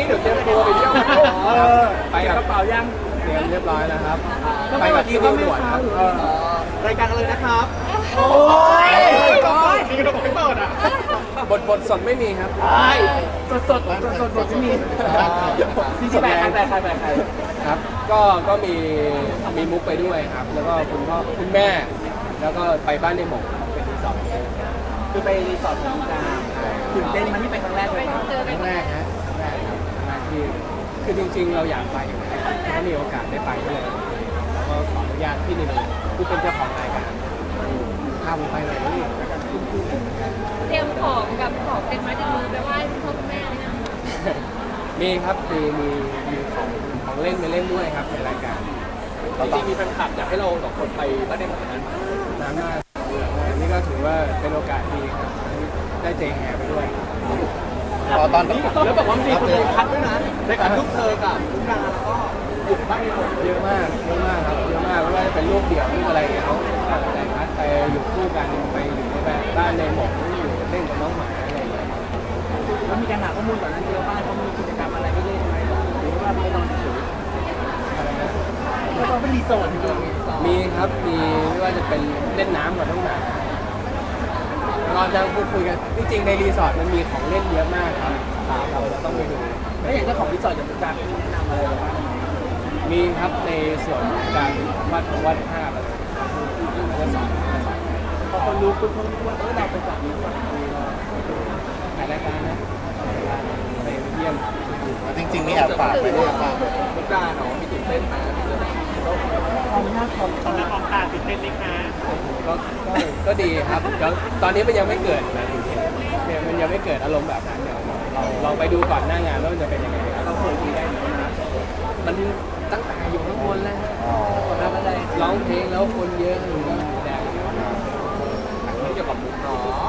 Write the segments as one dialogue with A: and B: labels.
A: เดี๋ยวเตรียมตัวไปเที่ยวไปกับกระเป๋ายังเตรียมเรียบร้อยแล้วครับไปกับที่นิวด่วนครับรายการกันเลยนะครับโอ้ยมีกระบอกไม่เปิดอ่ะบทสดไม่มีครับสดบทไม่มีที่แบกใครครับก็มีมุกไปด้วยครับแล้วก็คุณพ่อคุณแม่แล้วก็ไปบ้านในหมกเป็นรีสอร์ทคือไปรีสอร์ทของดาวตื่นเต้นมันที่ไปครั้งแรกเลยครั้งแรกฮะครั้งแรกครับครั้งแรกที่คือจริงๆเราอยากไปอยู่แล้วถ้ามีโอกาสได้ไปก็เลยแล้วก็ขออนุญาตพี่นิวผู้เป็นเจ้าของรายการพาผมไปเลยนี่
B: เตรียมของกับของเป็นไม้ติดมือไปไหว้คุณพ่อคุณแม่เลยนะ
A: มีครับมีของเล่นไปเล่นด้วยครับในรายการจริงๆมีแฟนคลับอยากให้เราสองคนไปบ้านในหมอกนั้นนานมากนี่ก็ถือว่าเป็นโอกาสดีครับได้เจแฮไปด้วย
C: ตอนนี้
A: แล้วแบบว่ามีคนคัดด้วยนะในการลูกเธอกับลูกดาแล้วก็หยุดบ้านในหมกเยอะมากครับเยอะมากไม่ว่าจะเป็นลูกเดี่ยวลูกอะไรเขาแต่คัดไปอยู่คู่กันไปอยู่ในบ้านในหมกอยู่เล่นกับน้องหมาอะไรอย่างเงี้ยแล้วมีการหาข้อมูลก่อนนั้นเยอะบ้านเขามีกิจกรรมอะไรไม่เล่นไหมหรือว่าไม่นอนเฉยอะไรนะแล้วก็เป็นรีสอร์ทมีครับมีไม่ว่าจะเป็นเล่นน้ำกับน้องหมาเราจะพูดคุยกันจริงๆในรีสอร์ทมันมีของเล่นเยอะมากครับเราต้องไปดูแล้วอย่างเจ้าของรีสอร์ทอย่างการแนะนำอะไรบ้างมีครับในส่วนของการวัดภาพอะไรก็สอนพอคนรู้คุณคงรู้ว่าเราไปจัดรีสอร์ทถ่ายรายการนะไปเยี่ยม
C: จริงๆนี่แอบฝากไปด้วยฝาก
A: มุกดาเนาะมีตื่นเต้นไหมความน่าความตาตื่นเต้นเล็กนะก็ดีครับแล้วตอนนี้มันยังไม่เกิดนะเนี่ยมันยังไม่เกิดอารมณ์แบบนั้นเดี๋ยวเราลองไปดูก่อนหน้างานว่ามันจะเป็นยังไงเราเคยคุยได้มันตั้งแต่อยู่ข้างบนแล้วทำอะไรร้องเพลงแล้วคนเยอะอยู่นี่แดงไม่เกี่ยวกับมุกเนาะ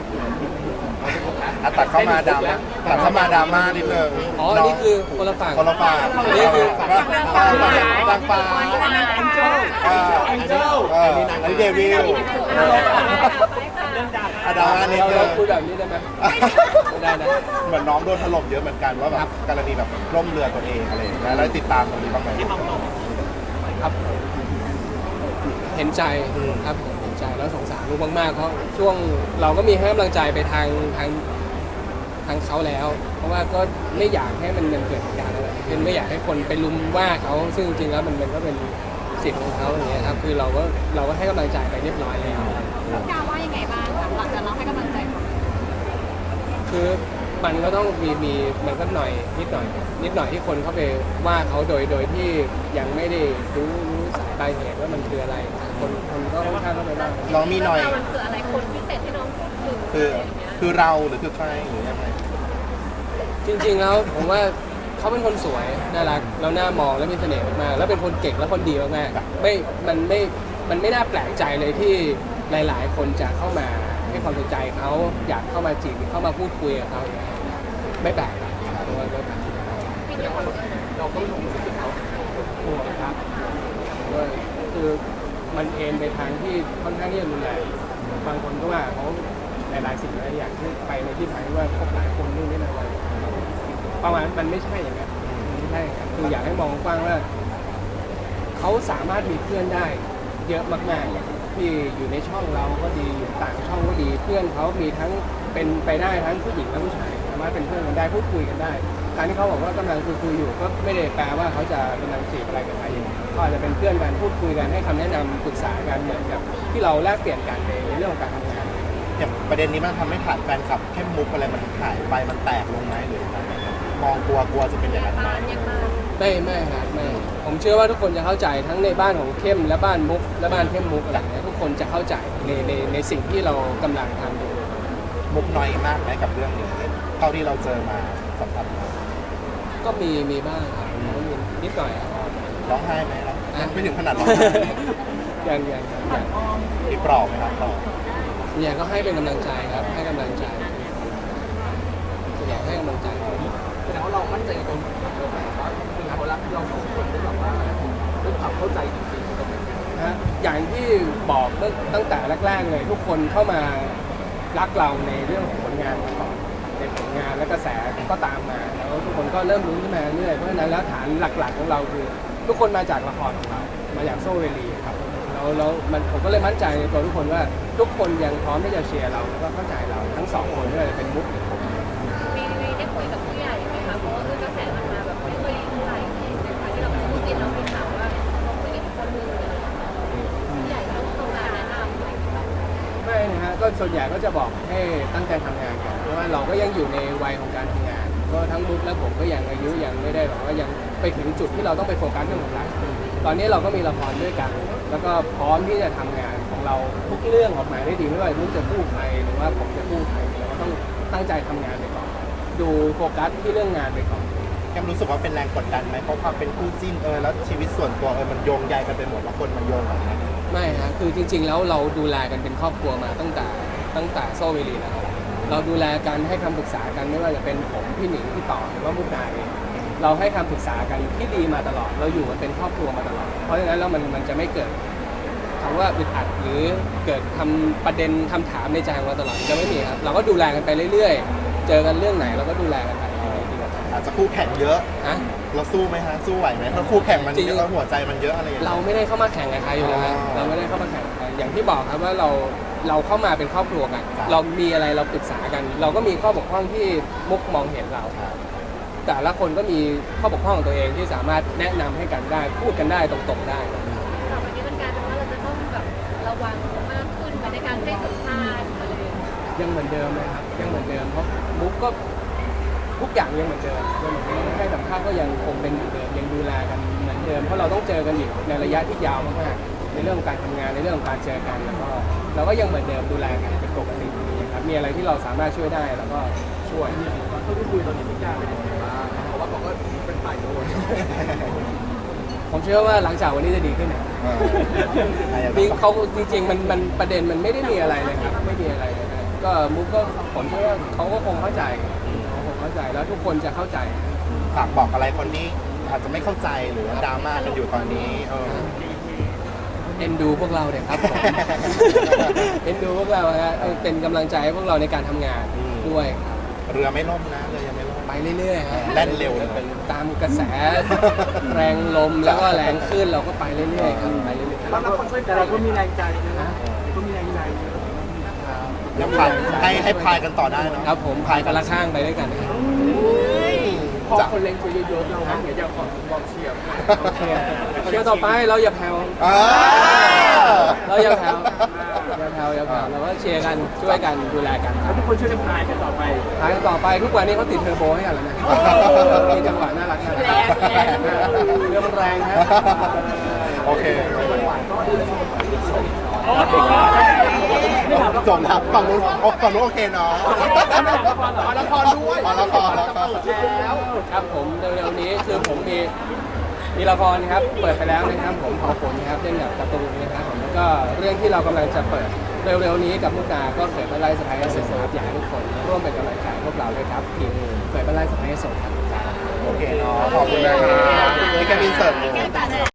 C: ตัดเข้ามาดราม่านิดนึง
A: อ๋อนี่คือคนละฝั่ง
C: นี่คือดังฟ้า
A: แองเจิล
C: อันนี้เดวิลดราม่านิดนึง
A: เราคุยแบบนี้ได้ไหมได้นะ
C: เหมือนน้องโดนถล่มเยอะเหมือนกันว่าแบบกรณีแบบร่มเรือตัวเองอะไรแล้วติดตามตรงนี้บ้างไหม
A: ครับเห็นใจครับเห็นใจแล้วสงสารลูกมากๆเพราะช่วงเราก็มีให้กำลังใจไปทางเขาแล้วเพราะว่าก็ไม่อยากให้มันเกิดเหตุการณ์อะไรเป็นไม่อยากให้คนไปลุมว่าเขาซึ่งจริงๆแล้วมันก็เป็นสิทธิ์ของเขาอย่างเงี้ยครับคือเราก็ให้กำลังใจไปเรียบร้อยแล้ว
B: ดาว่ายังไงบ้างหลังจากเราให้กำลังใจเขา
A: คือมันก็ต้องมีมันก็นิดหน่อยที่คนเข้าไปว่าเขาโดยที่ยังไม่ได้รู้สายปลายเหตุว่ามันคืออะไรคนก็ค่อนข้างเข้าไปบ้าง
C: น้องมีหน่อย
B: มันคืออะไรคนพิเศษที่น้องพูดถึง
C: คือเราหรือคือใครหรือยังไง
A: จริงๆแล้วผมว่าเขาเป็นคนสวยน่ารักแล้วน่ามองแล้วมีเสน่ห์มากแล้วเป็นคนเก่งและคนดีมากๆมันไม่น่าแปลกใจเลยที่หลายๆคนจะเข้ามาให้ความสนใจเขาอยากเข้ามาจีบเข้ามาพูดคุยกับเขาไม่แปลกเพราะว่าเราก็รู้สึกเขากลัวครับว่าคือมันเอ็นไปทางที่ค่อนข้างที่จะรุนแรงบางคนก็ว่าเขาหลายๆสิ่งหลายอย่างที่ไปในที่ทางที่ว่าคบหลายคนนู่นนี่นั่นอะไรประมาณมันไม่ใช่อย่างนั้นไม่ใช่คืออยากให้มองกว้างว่าเขาสามารถมีเพื่อนได้เยอะมากๆที่อยู่ในช่องเราก็ดีอยู่ต่างช่องก็ดีเพื่อนเขามีทั้งเป็นไปได้ทั้งผู้หญิงและผู้ชายสามารถเป็นเพื่อนกันได้พูดคุยกันได้การที่เขาบอกว่ากำลังคุยอยู่ก็ไม่ได้แปลว่าเขาจะกำลังจีบอะไรกับใครเขาอาจจะเป็นเพื่อนกันพูดคุยกันให้คำแนะนำปรึกษากันเหมือนกับที่เราแลกเปลี่ยนกันในเรื่องของการทำงาน
C: อย่างประเด็นนี้มันทำให้ขาดแฟนคลับเข้มมุกอะไรมันหายไปมันแตกลงไหมหรือมองกลัวจะเป็นอย่างนั้นไหม
A: ไม่ครับไม่ผมเชื่อว่าทุกคนจะเข้าใจทั้งในบ้านของเข้มและบ้านมุกและบ้านเข้มมุกอะไรทุกคนจะเข้าใจในสิ่งที่เรากำลังทำอยู่
C: มุกน้อยมากไหมกับเรื่องนี้เท่าที่เราเจอมาสัมผัส
A: ก็มีบ้างครับนิดหน่อย
C: ร้องไห้ไหมครับไม่ถึงขนาดร้องไห้
A: ยัง
C: มีปลอบไหมครับปลอบ
A: เนี่ยก็ให้เป็นกำลังใจครับให้กำลังใจอยากให้กำลังใจแสดงว่าเรามั่นใจในตัวว่าเขารักเราสองคนได้แบบว่าด้วยความเข้าใจจริงๆนะอย่างที่บอกตั้งแต่แรกๆเลยทุกคนเข้ามารักเราในเรื่องของผลงานมาก่อนในผลงานและกระแสก็ตามมาแล้วทุกคนก็เริ่มรู้ขึ้นมาเรื่อยเพราะฉะนั้นแล้วฐานหลักๆของเราคือทุกคนมาจากละครของเรามาจากโซเวลีครับแล้วผมก็เลยมั่นใจในตัวทุกคนว่าทุกคนยังพร้อมที่จะเชียร์เราแล้วก็เข้าใจเราทั้งสองคนไม่ว่าจะเป็นมุกหรือผม
B: มีได้คุยกับผู้ใหญ่ไหมคะเพราะว่าคือกระแสมันมาแบบไม่ค่อยดีเท่าไหร่ในการที่เราพูดกินเรามีข่าวว่าเราคุยกับคนนึงผู้ใหญ่ต้องตรงการแนะนำอะไรอย่างเงี้ย
A: ไม่นะฮะก็ส่วนใหญ่ก็จะบอกให้ตั้งใจทำงานกันเพราะว่าเราก็ยังอยู่ในวัยของการทำงานก็ทั้งมุกและผมก็ยังอายุยังไม่ได้แบบว่ายังไปถึงจุดที่เราต้องไปโฟกัสเรื่องของหลักตอนนี้เราก็มีละครด้วยกัน แล้วก็พร้อมที่จะทำงานของเราทุกเรื่องออกมาได้ดีไม่ว่ามุกจะพูดใครหรือว่าผมจะพูดใครเราก็ต้องตั้งใจทำงานไปก่อนดูโฟกัสที่เรื่องงานไปก่อน
C: แกมรู้สึกว่าเป็นแรงกดดันไหมเพราะความเป็นคู่จิ้นแล้วชีวิตส่วนตัวมันโยงใยกันไปหมดแล้วคนมันโยงกัน
A: ไม่ฮะคือจริงๆแล้วเราดูแลกันเป็นครอบครัวมาตั้งแต่โซเวลีแล้วเราดูแลกันให้คำปรึกษากันไม่ว่าจะเป็นผมพี่หนิงพี่ต่อหรือว่ามุกดาเองเราให้คำปรึกษากันที่ดีมาตลอดเราอยู่กันเป็นครอบครัวมาตลอดเพราะฉะนั้นแล้วมันจะไม่เกิดคำว่าอึดอัดหรือเกิดทำประเด็นคำถามในใจของเราตลอดจะไม่มีครับเราก็ดูแลกันไปเรื่อยๆเจอกันเรื่องไหนเราก็ดูแลกันไปดีกว่า
C: อาจจะคู่แข่งเยอะ
A: ฮะ
C: เราสู้ไหมฮะสู้ไหวไหมเพราะคู่แข่งมันเยอะหัวใจมันเยอะอะไรอย่างเงี้ย
A: เราไม่ได้เข้ามาแข่งกับใครอยู่แล้วฮะเราไม่ได้เข้ามาแข่งกับใครอย่างที่บอกครับว่าเราเข้ามาเป็นครอบครัวกัน เรามีอะไรเราปรึกษากัน เราก็มีข้อบกพร่องที่มุกมองเห็นเราแต่ละคนก็มีข้อบกพร่องของตัวเองที่สามารถแนะนำให้กันได้พูดกันได้ตรงๆได้
B: ต่อไปนี้มันกลายเป็นว่าเราจะต้องแบบระวังมากขึ้นในการให้สัมภาษณ์อะไรอย่างเงี้ย
A: ยังเหมือนเดิมเลยครับยังเหมือนเดิมเพราะมุกก็ทุกอย่างยังเหมือนเดิมให้สัมภาษณ์ก็ยังคงเป็นเหมือนเดิมยังดูแลกันเหมือนเดิมเพราะเราต้องเจอกันอีกในระยะที่ยาวมากๆในเรื่องของการทำงานในเรื่องของการเจอกันแล้วก็เราก็ยังเหมือนเดิมดูแลกันเป็นปกติครับมีอะไรที่เราสามารถช่วยได้เราก็ช่วยเท่าที่คุยตอนนี้ทุกอย่างเป็นยังไงบ้างเพราะว่าเขาก็เป็นฝ่ายโดนผมเชื่อว่าหลังจากวันนี้จะดีขึ้นนะนี่เขาจริงๆมันประเด็นมันไม่ได้มีอะไรเลยครับไม่มีอะไรเลยนะก็มุกก็ผมเชื่อว่าเขาก็คงเข้าใจแล้วทุกคนจะเข้าใจ
C: ฝากบอกอะไรคนที่อาจจะไม่เข้าใจหรือว่าดราม่ากันอยู่ตอนนี้
A: เอ็นดูพวกเราเนี่ยครับผม เอ็นดูพวกเราฮะเป็นกำลังใจให้พวกเราในการทำงานด้วยครับ
C: เรือไม่ล่มนะเรือยังไม่ล่ม
A: ไปเรื่อยๆฮะ
C: แล่นเร็วเลย
A: ตามกระแส แรงลมแล้วก็แรงขึ้นเราก็ไปเรื่อยๆครับไปเรื่อยๆ
D: แต่เราก็มีแรงใจนะก็มีแรงใจ
C: ยังพายให้พายกันต่อได้เนาะ
A: ครับผมพายกันละข้างไปด้วยกันครับพอคนเล็งตัวเยอะๆเราเดี๋ยวจะขอบอกเชียร์เชียร์ต่อไปเราอย่าแผ่วเราอย่าแผ่วเราก็เชียร์กันช่วยกันดูแลกันครับ
D: ทุกคนช่วยกันพายกันต่อไป
A: พายกันต่อไปทุกวันนี้เขาติดเทอร์โบให้กันแล้วนะมีจังหวะน่ารักเรือมันแรงครับ
C: โอเคจบแล้วฝั่งนู้นโอเคเนาะละครด้วยละครแล้ว
A: ครับผมเร็วๆนี้คือผมมีละครครับเปิดไปแล้วนะครับผมขอผลนะครับเล่นกับการ์ตูนนะครับผมแล้วก็เรื่องที่เรากำลังจะเปิดเร็วๆนี้กับมุกดาก็เกิดเป็นไล่สไปร์เสร็จครับอยากให้ทุกคนร่วมเป็นกำลังใจพวกเราด้วยครับทีมเกิดเป็นไล่สไปร์สดครับ
C: โอเคเนาะขอบคุณนะครับนี่แค่อินเสิร์ต